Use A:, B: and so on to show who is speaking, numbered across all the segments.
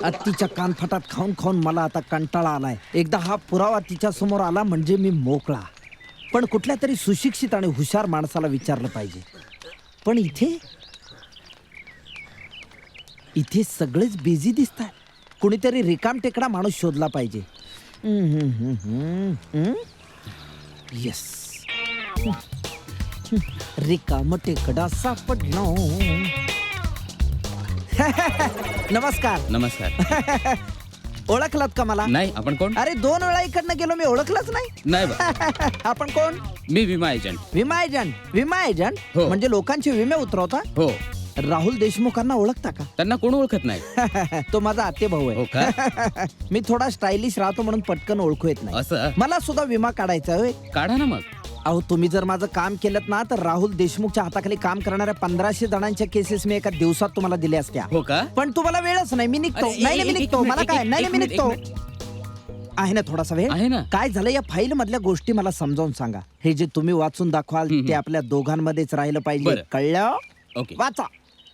A: तिच्या कानफटात खाऊन खाऊन मला आता कंटाळा आलाय. एकदा हा पुरावा तिच्या समोर आला म्हणजे मी मोकळा. पण कुठल्या तरी सुशिक्षित आणि हुशार माणसाला विचारलं पाहिजे. पण इथे सगळेच बिझी दिसतात. कुणीतरी रिकाम टेकडा माणूस शोधला पाहिजे. येस, रिकाम टेकडा सापडला. नमस्कार.
B: नमस्कार.
A: ओळखलात का मला?
B: नाही, आपण कोण?
A: अरे 2 वेळा इकडनं गेलो, मी ओळखलंच नाही.
B: नाही बा.
A: आपण कोण?
B: मी विमा एजंट.
A: विमा एजंट? विमा एजंट
B: हो.
A: म्हणजे लोकांचे विमे उतरवता?
B: हो.
A: राहुल देशमुखांना ओळखता का?
B: त्यांना कोण ओळखत नाही.
A: तो माझा आते भाऊ
B: हो
A: आहे.
B: का?
A: मी थोडा स्टायलिश राहतो म्हणून पटकन ओळखू येत नाही.
B: असं?
A: मला सुद्धा विमा काढायचा होय.
B: काढा ना मग.
A: अहो, तुम्ही जर माझं काम केलं ना तर राहुल देशमुखच्या हाताखाली काम करणाऱ्या 1500 जणांच्या केसेस मी एका दिवसात तुम्हाला दिल्या असत्या.
B: हो का?
A: पण तुम्हाला वेळच नाही. मी निघतो.
B: अरे,
A: नाही मी
B: एक
A: निघतो.
B: मिनिट,
A: मला काय?
B: एक
A: नाही मी
B: मिनिट,
A: निघतो.
B: एक
A: आहे ना थोडासा वेळ?
B: आहे ना.
A: काय झालं या फाईल मधल्या गोष्टी मला समजावून सांगा. हे जे तुम्ही वाचून दाखवाल ते आपल्या दोघांमध्येच राहिलं पाहिजे.
B: बरं.
A: कळलं?
B: ओके.
A: वाचा.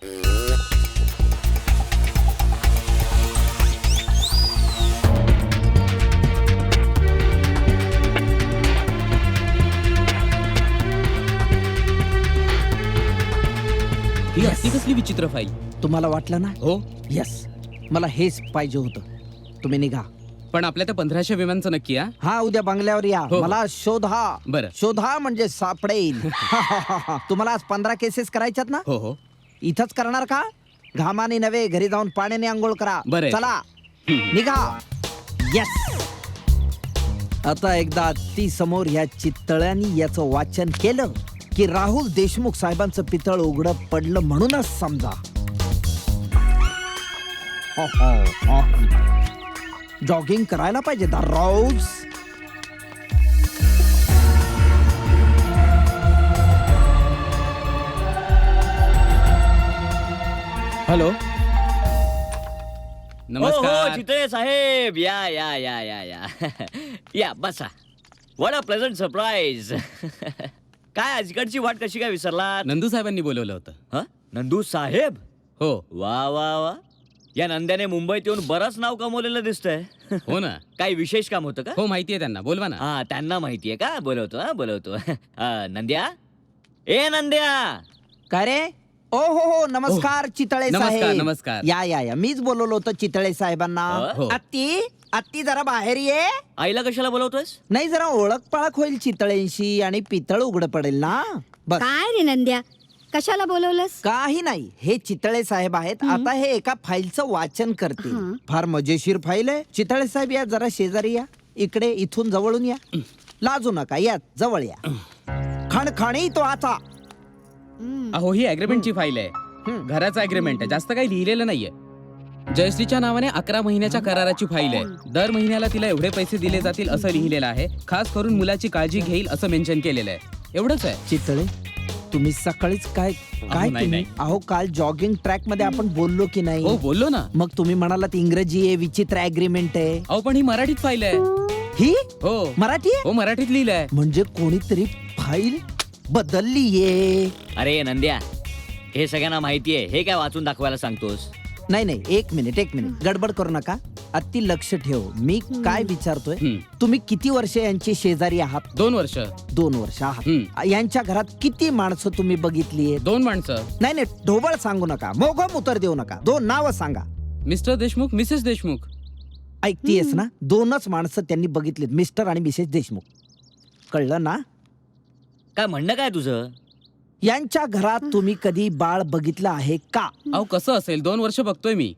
B: ही अशी कसली विचित्र फाईल?
A: तुम्हाला वाटलं ना?
B: हो.
A: यस, मला हेच पाहिजे होतं. तुम्ही निघा.
B: पण आपल्या त्या 1500 विमांचं नक्की?
A: हा, उद्या बंगल्यावर या.
B: हो.
A: मला शोधा.
B: बरं.
A: शोधा म्हणजे सापडेल. तुम्हाला आज 15 केसेस करायच्यात ना?
B: हो हो.
A: इथंच करणार का? घामाने नव्हे, घरी जाऊन पाण्याने आंघोळ करा.
B: बरं.
A: चला निघा. येस. आता एकदा ती समोर या चितळ्यांनी याचं वाचन केलं की राहुल देशमुख साहेबांचं पितळ उघडं पडलं म्हणूनच समजा. जॉगिंग करायला पाहिजे दररोज.
B: हॅलो.
C: हो
B: नमस्कार.
C: चितळे साहेब, या या या या या या बसा. What a pleasant surprise. काय आजकडची वाट कशी काय विसरलात?
B: नंदू साहेबांनी बोलवलं होतं.
C: हं? नंदू साहेब?
B: हो.
C: वा वा वा. या नंद्याने मुंबईत येऊन बरंच नाव कमवलेलं दिसतंय.
B: हो ना.
C: काही विशेष काम होतं का?
B: हो, माहितीये त्यांना. बोलवा ना.
C: हा, त्यांना माहितीये का? बोलवतो. नंद्या, ए नंद्या.
A: काय रे? ओ हो नमस्कार चितळे
B: नमस्कार,
A: साहेब.
B: नमस्कार.
A: या मीच बोलवलं होतं चितळे साहेबांना.
B: हो.
A: आत्ती जरा बाहेर ये.
C: आईला कशाला बोलवतोयस?
A: नाही, जरा ओळख पाळख होईल चितळेंशी आणि पितळ उघड पडेल ना. बस.
D: काय रे नंद्या, कशाला बोलवलंस?
A: काही नाही, हे चितळे साहेब आहेत. आता हे एका फाईलचं वाचन करतील.
D: हं.
A: फार मजेशीर फाईल आहे. चितळे साहेब या जरा शेजारी या. इकडे इथून जवळून या. लाजू नका, या जवळ या. खणखणी तो आता.
B: अहो, ही अग्रीमेंटची फाईल आहे. घराचा अग्रीमेंट आहे. जास्त काही लिहिलेलं नाहीये. जयश्रीच्या नावाने 11 महिन्याच्या कराराची फाईल आहे. दर महिन्याला तिला एवढे पैसे दिले जातील असं लिहिलेलं आहे. खास करून मुलाची काळजी घेईल असं मेन्शन केलेलं आहे. एवढंच आहे.
A: चितळे, तुम्ही सकाळीच काय
B: नाही,
A: तुम्ही?
B: नाही.
A: अहो, काल जॉगिंग ट्रॅक मध्ये आपण बोललो की नाही?
B: हो, बोललो ना.
A: मग तुम्ही म्हणालात इंग्रजी आहे, विचित्र अग्रीमेंट आहे.
B: अहो, पण ही मराठीत फाईल आहे.
A: ही
B: हो.
A: मराठी आहे?
B: हो, मराठीत लिहिलंय.
A: म्हणजे कोणीतरी फाईल बदललीये.
C: अरे नंद्या, हे सगळ्यांना माहितीये. हे काय वाचून दाखवायला सांगतोस?
A: नाही, एक मिनिट गडबड करू नका. अति लक्ष ठेव. मी काय विचारतोय, तुम्ही किती वर्ष यांची शेजारी आहात?
B: 2 वर्ष.
A: 2 वर्ष आहात. यांच्या घरात किती माणसं तुम्ही बघितली?
B: 2 माणसं.
A: नाही, ढोबळ सांगू नका, मोघम उत्तर देऊ नका. 2 नावं सांगा.
B: Mister Deshmukh, missus Deshmukh.
A: ऐकतीयस ना? 2च माणसं त्यांनी बघितलीत, मिस्टर आणि मिसेस देशमुख. कळलं ना?
C: काय म्हणणं काय तुझं?
A: यांच्या घरात तुम्ही कधी बाळ बघितलं आहे का?
B: अहो, कसं असेल? 2 वर्ष बघतोय मी.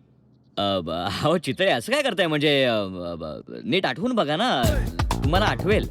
C: अहो चितळे, असं काय करताय? म्हणजे नीट आठवून बघा ना, तुम्हाला आठवेल.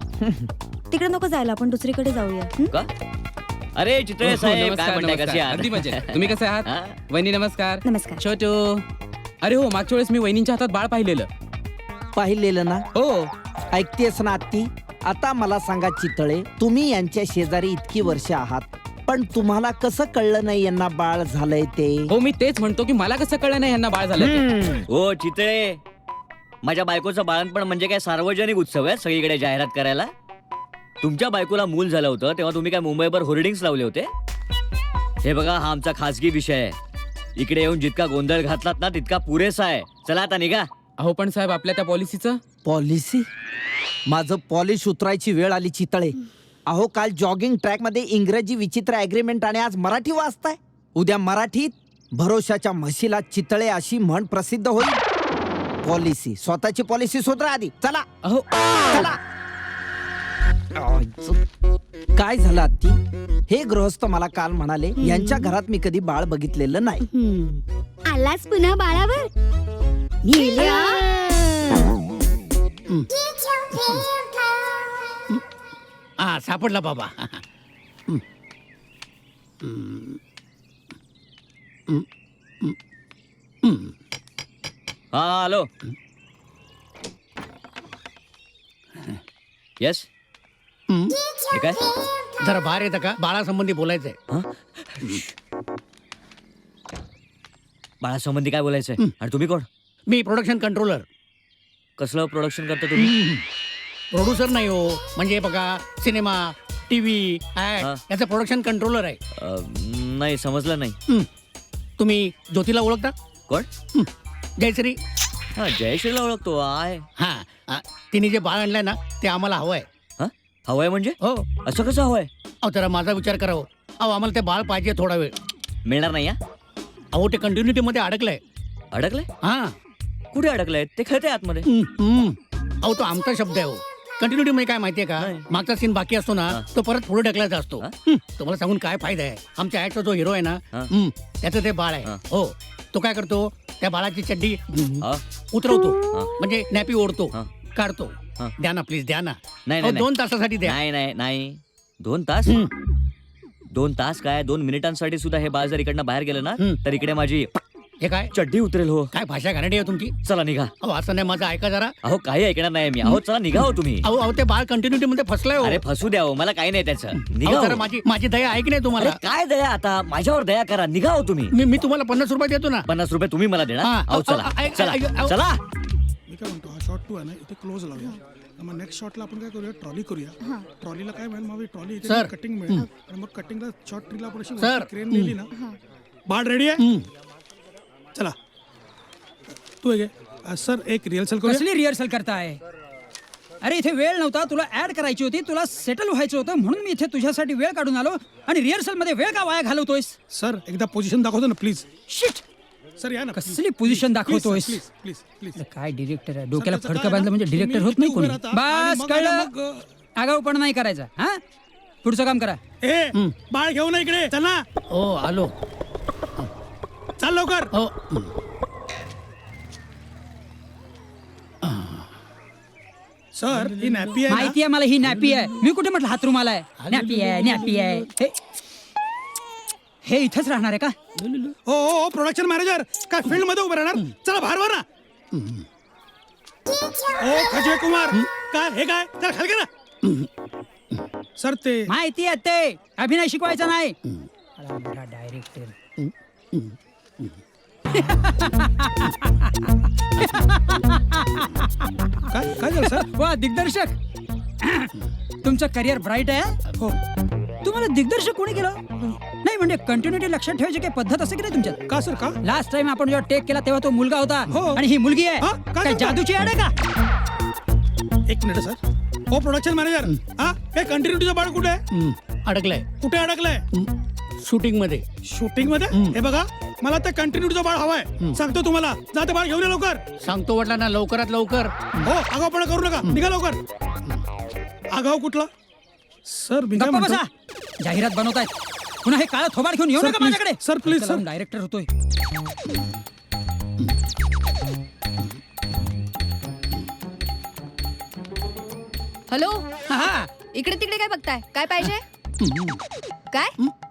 D: तिकडे नको जायला, आपण दुसरीकडे जाऊया. हं?
C: का? अरे चितळे
B: हो,
C: साहेब,
B: नमस्कार,
C: काय म्हणताय? कशी
B: नमस्कार. अगदी मजेत. तुम्ही कसे आहात?
C: हा?
B: वहिनी नमस्कार.
D: नमस्कार.
B: छोटू. अरे हो, मागच्या वेळेस मी वहिनींच्या हातात बाळ पाहिलेलं.
A: पाहिलेलं ना?
B: हो.
A: ऐकतेस ना आत्ती? आता मला सांगा चितळे, तुम्ही यांच्या शेजारी इतकी वर्ष आहात, पण तुम्हाला कसं कळलं नाही यांना बाळ झालंय ते?
B: हो, मी तेच म्हणतो की मला कसं कळलं नाही यांना बाळ झालं.
C: हो चितळे, माझ्या बायकोचं बाळणपण म्हणजे काय सार्वजनिक उत्सव आहे सगळीकडे जाहिरात करायला? तुमच्या बायकोला मूल झालं होतं तेव्हा तुम्ही काय मुंबईभर होर्डिंग्स लावले होते? हे बघा, हा आमचा खासगी विषय आहे. इकडे येऊन जितका गोंधळ घातलात ना तितका पुरेसा आहे. चला आता निघा.
B: अहो पण साहेब आपल्या त्या पॉलिसीचं
A: पॉलिसी? माझं पॉलिश उतरायची वेळ आली चितळे. अहो काल जॉगिंग ट्रॅक मध्ये इंग्रजी विचित्र अग्रीमेंट आणि आज मराठी वाचताय. उद्या मराठीत भरोशाच्या म्हशीला चितळे अशी म्हण प्रसिद्ध होईल. पॉलिसी, स्वतःची पॉलिसी सुधरा आधी. चला
B: अहो
A: चला. काय झालं आत्ती? हे गृहस्थ मला काल म्हणाले यांच्या घरात मी कधी बाळ बघितलेलं नाही.
D: आलास पुन्हा बाळावर? नील्या.
E: हा सापडला बाबा.
C: हा हॅलो. येस. ठीक आहे.
E: जरा बाहेर येतं का? बाळासंबंधी बोलायचंय.
C: बाळासंबंधी काय बोलायचंय? आणि तुम्ही कोण?
E: मी प्रोडक्शन कंट्रोलर.
C: कसलं प्रोडक्शन करता तुम्ही?
E: प्रोड्युसर नाही हो, म्हणजे बघा सिनेमा, टीव्ही,
C: हा.
E: याचं प्रोडक्शन कंट्रोलर आहे.
C: नाही समजलं नाही.
E: तुम्ही ज्योतीला ओळखता?
C: कोण?
E: जयश्री.
C: हा जयश्रीला ओळखतो आहे.
E: हा तिने जे बाळ आणलंय ना ते आम्हाला हवंय.
C: हा हवंय म्हणजे?
E: हो.
C: असं कसं हवंय?
E: अहो जरा माझा विचार करा हो. अहो आम्हाला ते बाळ पाहिजे थोडा वेळ.
C: मिळणार नाही.
E: अहो ते कंटिन्युटी मध्ये अडकलंय.
C: अडकलंय?
E: हा.
C: कुठे अडकलंय? ते खेळते आतमध्ये.
E: अहो तो आमचा शब्द आहे हो. कंटिन्युटी मध्ये काय माहितीये का?
C: नाही.
E: मागचा सीन बाकी असतो ना तो परत पुढे ढकलायचा असतो. तुम्हाला सांगून काय फायदा आहे? आमच्या ऍडचा जो हिरो आहे ना त्याचं ते बाळ आहे. हो. तो काय करतो? त्या बाळाची चड्डी
C: हा?
E: उतरवतो, म्हणजे नॅपी ओढतो,
C: हा.
E: काढतो. द्या ना प्लीज, द्या ना.
C: नाही
E: अहो,
C: नाही
E: 2 तासासाठी द्या.
C: नाही नाही नाही 2 तास? 2 तास काय 2 मिनिटांसाठी सुद्धा हे बाळ जर इकडनं बाहेर गेलं ना तर इकडे माझी
E: हे काय
C: चड्डी उतरेल. हो.
E: काय भाषा घाणेरडी आहे तुमची.
C: चला निघा.
E: अहो असं नाही, माझं ऐका जरा.
C: अहो काही ऐकणार नाही मी. अहो चला निघा हो तुम्ही.
E: अहो अहो ते बाळ कंटिन्युटी मध्ये फसलंय हो.
C: अरे फसू द्या हो, मला काही नाही त्याचं. निघा
E: अहो, जरा
C: हो.
E: माझी दया ऐक नाही तुम्हाला.
C: अरे काय दया आता माझ्यावर दया करा. निघा हो तुम्ही.
E: मी तुम्हाला 50 रुपये देतो ना.
C: 50 रुपये तुम्ही मला देणार?
E: हा.
C: अहो चला
E: अहो,
C: चला
E: अहो.
C: चला.
F: मी काय म्हणतो, हा शॉट 2 आहे ना इथे क्लोज लावूया. मग नेक्स्ट शॉटला आपण काय करूया, ट्रॉली करूया. ट्रॉलीला काय मिळेल, मग ट्रॉली
E: सर.
F: कटिंग मिळेल आणि मग कटिंगला शॉर्ट ट्रीला आपण अशी
E: सर.
F: क्रेन नेली ना. बाळ रेडी आहे? चला तू घे. सर एक रिहर्सल करूया.
G: कसली रिहर्सल करताय? अरे इथे वेळ नव्हता, तुला ऍड करायची होती, तुला सेटल व्हायचं होतं, म्हणून मी इथे तुझ्यासाठी वेळ काढून आलो. आणि रिहर्सल मध्ये वेळ का वाया घालवतोयस?
F: सर एकदा पोझिशन दाखवतो ना प्लीज.
G: शिट,
F: सर या ना.
G: कसली पोझिशन दाखवतोयस?
F: Please please please.
G: काय डिरेक्टर आहे, डोक्याला
F: त्याचं काय
G: फडकं
F: आहे
G: बांधलं
F: ना,
G: म्हणजे डिरेक्टर
F: तुम्ही
G: होत नाही
F: इथे
G: कोणी.
F: उभे राहता आणि
G: बस
F: मग आहे ना
G: कळलं, आगाऊपणा नाही करायचा. हा पुढचं काम करा.
F: ए बाळ घेऊ ना इकडे. चल ना,
E: हो आलो.
F: चाल लवकर.
E: हो.
F: सर ही नॅपी आहे ना.
G: माहिती आहे मला, ही नॅपी आहे. मी कुठे म्हटलं हातरूम आलाय? नॅपी आहे, नॅपी आहे. हे इथेच राहणार आहे का?
F: हो हो प्रोडक्शन मॅनेजर काय फील्ड मध्ये उभं राहणार? चला बाहेर वा ना. ओ खजवे कुमार काय हे काय? चल खाली ना. सर ते
G: माहिती आहे ते अभिनय शिकवायचा नाही. डायरेक्टर
F: काय काय झालं सर?
G: वा दिग्दर्शक, तुमचं करिअर ब्राईट आहे.
F: हो
G: तुम्हाला दिग्दर्शक कोणी केलं? नाही म्हणजे कंटिन्युटी लक्षात ठेवायची काही पद्धत असते की नाही तुमच्यात?
F: का सर का?
G: लास्ट टाइम आपण जेव्हा टेक केला तेव्हा तो मुलगा होता
F: हो.
G: आणि ही मुलगी
F: हा?
G: आहे.
F: काय
G: काय
F: सांगता?
G: जादूची ऍड आहे का?
F: एक मिनिट सर. हो प्रोडक्शन मॅनेजर हा हे कंटिन्युटीचं बाळ कुठे आहे?
E: अडकलंय
F: कुठे अडकलंय?
E: शूटिंग मध्ये.
F: शूटिंग मध्ये? हे बघा मला ते कंटिन्युटीचं बाळ हवाय. सांगतो तुम्हाला. जा ते बाळ घेऊन या लवकर.
E: सांगतो म्हटलं ना, लवकरात लवकर.
F: हो आगाऊपणा करू नका. निघा लवकर. आगाऊ कुठला? सर मी काय
G: गप्पा
F: म्हणतो.
G: बसा. जाहिरात बनवतायत. पुन्हा हे काळं थोबाड घेऊन येऊ
F: सर,
G: नका
F: please.
G: माझ्याकडे.
F: Sir, please, sir.
G: डायरेक्टर होतोय.
H: हॅलो,
G: हा
H: इकडे तिकडे काय बघताय? काय पाहिजे? काय?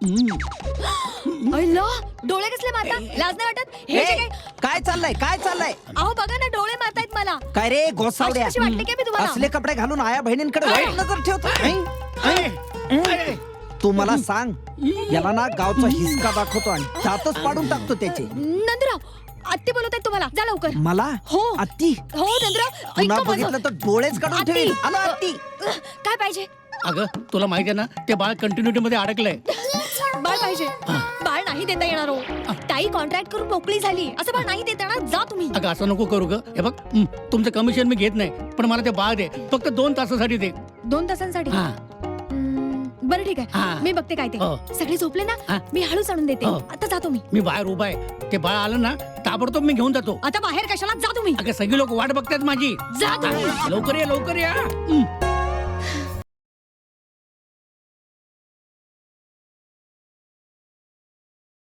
H: अय्ला, डोळे कसले मारता? लाज नाही वाटत? हे जे
A: ए, काय चाललंय काय चाललंय?
H: अहो बघा ना, डोळे मारतायत मला.
A: काय रे गोसावड्या?
H: अशी वाटली काय मी तुम्हाला?
A: असले कपडे घालून आया बहिणींकडे वाईट नजर ठेवतो. तू मला सांग, याला ना गावचा हिसका दाखवतो आणि दातच पाडून टाकतो त्याचे.
H: नंदराव, आत्ती बोलत आहेत तुम्हाला. जा लवकर.
A: मला
H: हो.
A: आत्ती
H: हो नंदराव,
A: पुन्हा
H: ऐका माझं.
A: बघितलं तर डोळेच काढून
H: आत्ती.
A: ठेवील. आलो आत्ती.
H: काय पाहिजे?
E: अगं तुला माहिती आहे ना, ते बाळ कंटिन्युटी मध्ये अडकलंय.
H: बाळ पाहिजे. बाळ नाही देता येणार हो ताई कॉन्ट्रॅक्ट करून मोकळी झाली असं बाळ नाही देता येणार जा तुम्ही
E: अगं असं नको करू ग. हे बघ तुमचं कमिशन मी घेत नाही, पण मला ते बाळ दे, फक्त 2 तासासाठी दे.
H: 2 तासांसाठी
E: हा.
H: बरं ठीक आहे
E: हा.
H: मी बघते काय ते
E: हो.
H: सगळे झोपले ना
E: हा.
H: मी हळूच आणून देते
E: हो.
H: आता जातो मी
E: बाहेर उभा आहे, ते बाळ आलं ना ताबडतोब मी घेऊन जातो.
H: आता बाहेर कशाला जा तुम्ही
E: अगं सगळी लोक वाट बघतात माझी.
H: जा तुम्ही
E: लवकर या, लवकर या.